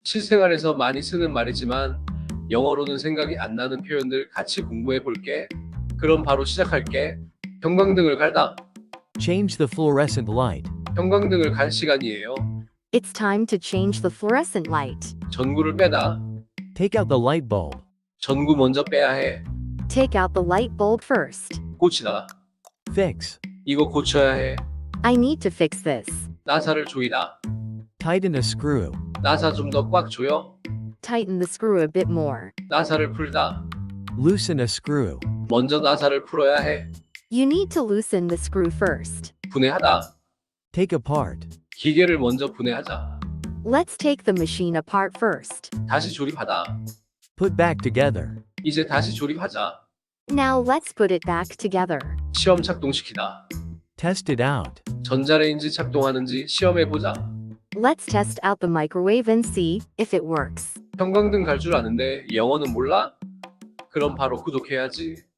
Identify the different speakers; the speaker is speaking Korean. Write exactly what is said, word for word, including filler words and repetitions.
Speaker 1: 실생활에서 많이 쓰는 말이지만 영어로는 생각이 안 나는 표현들 같이 공부해 볼게. 그럼 바로 시작할게. 형광등을 갈다.
Speaker 2: Change the fluorescent light.
Speaker 1: 형광등을 갈 시간이에요.
Speaker 3: It's time to change the fluorescent light.
Speaker 1: 전구를 빼다.
Speaker 2: Take out the light bulb.
Speaker 1: 전구 먼저 빼야 해.
Speaker 3: Take out the light bulb first.
Speaker 1: 고치다.
Speaker 2: Fix.
Speaker 1: 이거 고쳐야 해.
Speaker 3: I need to fix this.
Speaker 1: 나사를 조이다.
Speaker 2: Tighten a screw.
Speaker 1: 나사 좀 더 꽉 조여.
Speaker 3: Tighten the screw a bit more.
Speaker 1: 나사를 풀다.
Speaker 2: Loosen a screw.
Speaker 1: 먼저 나사를 풀어야 해.
Speaker 3: You need to loosen the screw first.
Speaker 1: 분해하다.
Speaker 2: Take apart.
Speaker 1: 기계를 먼저 분해하자.
Speaker 3: Let's take the machine apart first.
Speaker 1: 다시 조립하다.
Speaker 2: Put back together.
Speaker 1: 이제 다시 조립하자.
Speaker 3: Now let's put it back together.
Speaker 1: 시험 작동시키다.
Speaker 2: Test it out.
Speaker 1: 전자레인지 작동하는지 시험해보자.
Speaker 3: Let's test out the microwave and see if it works.
Speaker 1: 형광등 갈 줄 아는데 영어는 몰라? 그럼 바로 구독해야지.